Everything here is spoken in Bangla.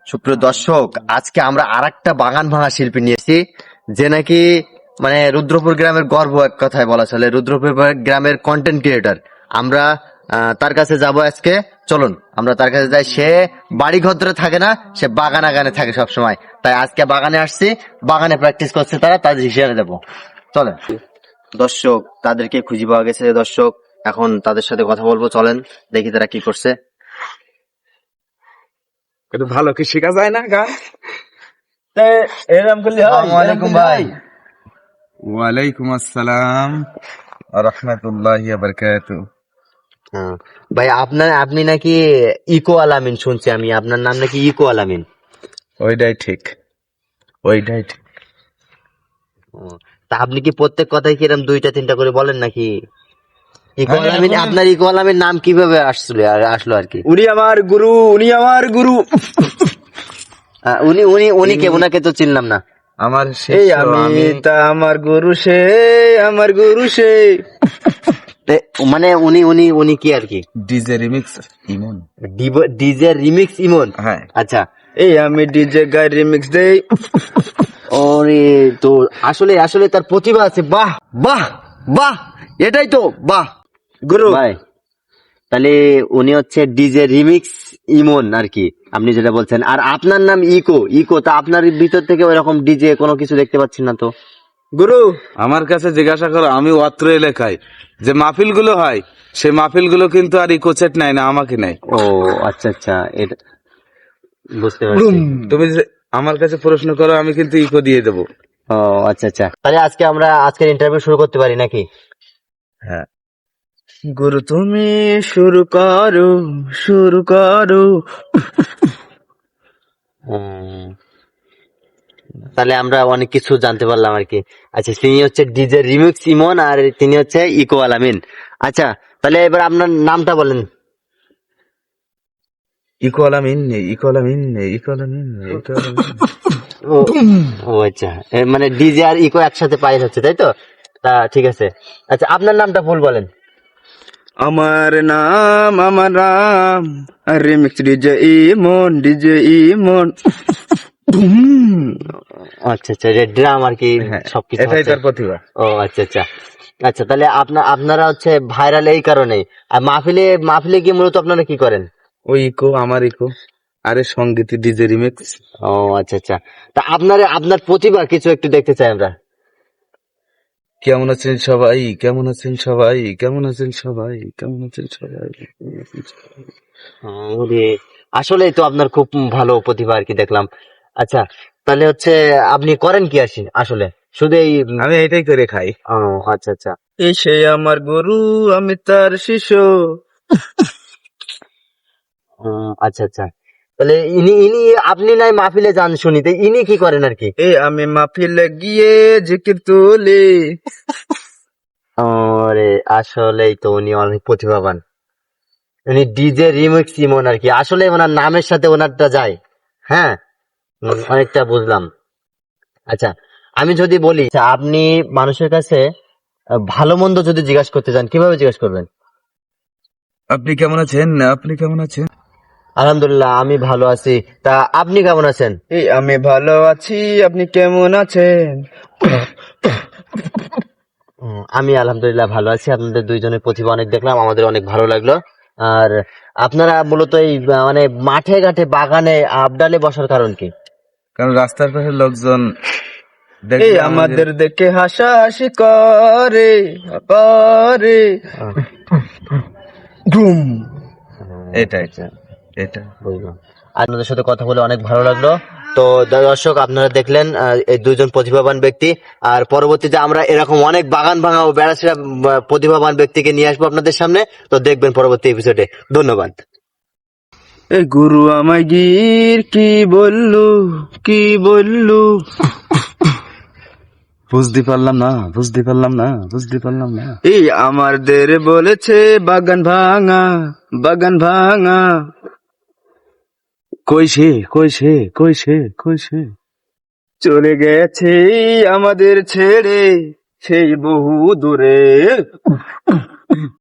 সুপ্রিয় দর্শক, আজকে আমরা আরেকটা বাগান ভাঙা শিল্পী নিয়েছি, যে নাকি মানে রুদ্রপুর গ্রামের গর্ব, এক কথায় বলা চলে। রুদ্রপুর গ্রামের কন্টেন্ট ক্রিয়েটর। আমরা তার কাছে যাব আজকে। চলুন আমরা তার কাছে যাই। সে বাড়ি ঘর ধরে থাকে না, সে বাগানে গানে থাকে সব সময়। তাই আজকে বাগানে আসছি, বাগানে প্র্যাকটিস করছে তারা, তাদের হিসেবে দেবো। চলেন দর্শক, তাদেরকে খুঁজে পাওয়া গেছে। দর্শক, এখন তাদের সাথে কথা বলবো। চলেন দেখি তারা কি করছে। ভালো কি শেখা যায় না গান? এরকম করলে হয়? আসসালামু আলাইকুম ভাই। ওয়ালাইকুম আসসালাম রাহমাতুল্লাহি ওয়া বারাকাতুহু। ভাই আপনি নাকি ইকো আলামিন, শুনছি আমি আপনার নাম নাকি ইকো আলামিন। ওইটাই ঠিক, ওইটাই ঠিক। তা আপনি কি প্রত্যেক কথায় কিরম দুইটা তিনটা করে বলেন নাকি? ইকো আলামিন, আপনার ইকো আলামিন নাম কিভাবে আসলো আর কি? উনি আমার গুরু, উনি আমার গুরু। উনি উনি উনি কে? উনাকে তো চিনলাম না। আমার এই আমি তা আমার গুরু সে, আমার গুরু সে। মানে উনি উনি উনি কি আর কি? DJ remix Emon. DJ remix Emon. হ্যাঁ। আচ্ছা। এই আমি ডিজে গাই রিমিক্স দেই। ওরে, তো আসলে আসলে তার প্রতিভা আছে। বাহ বাহ বাহ, এটাই তো বাহ গুরু ভাই। তাহলে উনি হচ্ছে ডিজে রিমিক্স ইমন আর কি, আপনি যেটা বলছেন। আর আপনার নাম ইকো। ইকো তা আপনার ভিতর থেকে ওইরকম ডিজে কোনো কিছু দেখতে পাচ্ছি না তো। গুরু আমার কাছে জিজ্ঞাসা করো, আমি অত্র এলাকায় যে মাহফিল গুলো হয়, সেই মাহফিল গুলো কিন্তু আর ইকোচেট নাই না, আমাকে নাই। ও আচ্ছা আচ্ছা, এটা বুঝতে পারছি। তুমি যে আমার কাছে প্রশ্ন করো, আমি কিন্তু ইকো দিয়ে দেবো। ও আচ্ছা আচ্ছা, তাহলে আজকে আমরা আজকের ইন্টারভিউ শুরু করতে পারি নাকি? হ্যাঁ। গুরু তুমি শুরু করো, শুরু করো। তাহলে আমরা অনেক কিছু জানতে পারলাম আর কি। আচ্ছা, তিনি হচ্ছে ডিজে রিমিক্স ইমন আর তিনি হচ্ছে ইকো আলামিন। আচ্ছা, তাহলে এবার আপনার নামটা বলেন। ইকো আলামিন, ইকো আলামিন, ইকো আলামিন, ইকো আলামিন। ও ও আচ্ছা, মানে ডিজে আর ইকো একসাথে পাই হচ্ছে, তাই তো? তা ঠিক আছে। আচ্ছা, আপনার নামটা ফুল বলেন। আমার নাম, আমার নাম remix DJ Emon, DJ Emon. আচ্ছা আচ্ছা, রেড ড্রাম আর কি, হ্যাঁ, সবকিছু এটাই আছে। তার প্রতিভা। ও আচ্ছা আচ্ছা। আচ্ছা, তাহলে আপনারা হচ্ছে ভাইরাল এই কারণেই। আর মাহফিলে মাহফিলে গিয়ে মূলত আপনারা কি করেন? ওই ইকো, আমার ইকো, আরে সঙ্গীত ডিজে রিমিক্স। ও আচ্ছা আচ্ছা, তা আপনার প্রতিভা কিছু একটু দেখতে চাই আমরা। কেমন আছেন সবাই, কেমন আছেন সবাই, কেমন আছেন সবাই, কেমন আছেন সবাই, কেমন আছেন সবাই। আসলেই তো আপনার খুব ভালো প্রতিভা আর কি দেখলাম। আচ্ছা, তাহলে হচ্ছে আপনি করেন কি আসলে শুধু এই? আমি এটাই করে খাই। ও আচ্ছা আচ্ছা। এই সে আমার গুরু, আমি তার শিষ্য। আচ্ছা আচ্ছা, তাহলে ইনি ইনি আপনি নাই মাহফিলে যান শুনি, তো ইনি কি করেন আর কি? এই আমি মাহফিলে গিয়ে জিকির তুলি। আরে আসলেই তো উনি অনেক প্রতিভাবান। উনি ডিজে রিমিক্স ইমন আর কি, আসলে ওনার নামের সাথে ওনারটা যায়। হ্যাঁ, অনেকটা বুঝলাম। আচ্ছা, আমি যদি বলি, আচ্ছা, আপনি মানুষের কাছে ভালো মন্দ যদি জিজ্ঞাসা করতে চান, কিভাবে জিজ্ঞাসা করবেন? আপনি কেমন আছেন, আপনি কেমন আছেন? আলহামদুলিল্লাহ, আমি ভালো আছি। তা আপনি কেমন আছেন? এই আমি ভালো আছি, আপনি কেমন আছেন? আমি আলহামদুলিল্লাহ ভালো আছি। আপনাদের দুইজনের প্রতিভা অনেক দেখলাম, আমাদের অনেক ভালো লাগলো। আর আপনারা মূলত এই মানে মাঠে ঘাটে বাগানে আবডালে বসার কারণ কি? কারণ রাস্তার পাশে লোকজন এই দেখলে আমাদের দেখে হাসাহাসি করে করে। এটাই, এটা বুঝলাম। আপনাদের সাথে কথা বলে অনেক ভালো লাগলো। তো দর্শক, আপনারা দেখলেন এই দুইজন প্রতিভাবান ব্যক্তি। আর পরবর্তীতে আমরা এরকম অনেক বাগান ভাঙা ও বেড়াছেড়া প্রতিভাবান ব্যক্তিকে নিয়ে আসবো আপনাদের সামনে। তো দেখবেন পরবর্তী এপিসোডে। ধন্যবাদ। এই গুরু আমায় গির কি বললু, কি বললু? বুঝতে পারলাম না, বুঝতে পারলাম না, বুঝতে পারলাম না। এই আমাদের বলেছে বাগান ভাঙা, বাগান ভাঙা। কই সে, কই সে, কই সে, কই সে? চলে গেছে আমাদের ছেড়ে সেই বহু দূরে।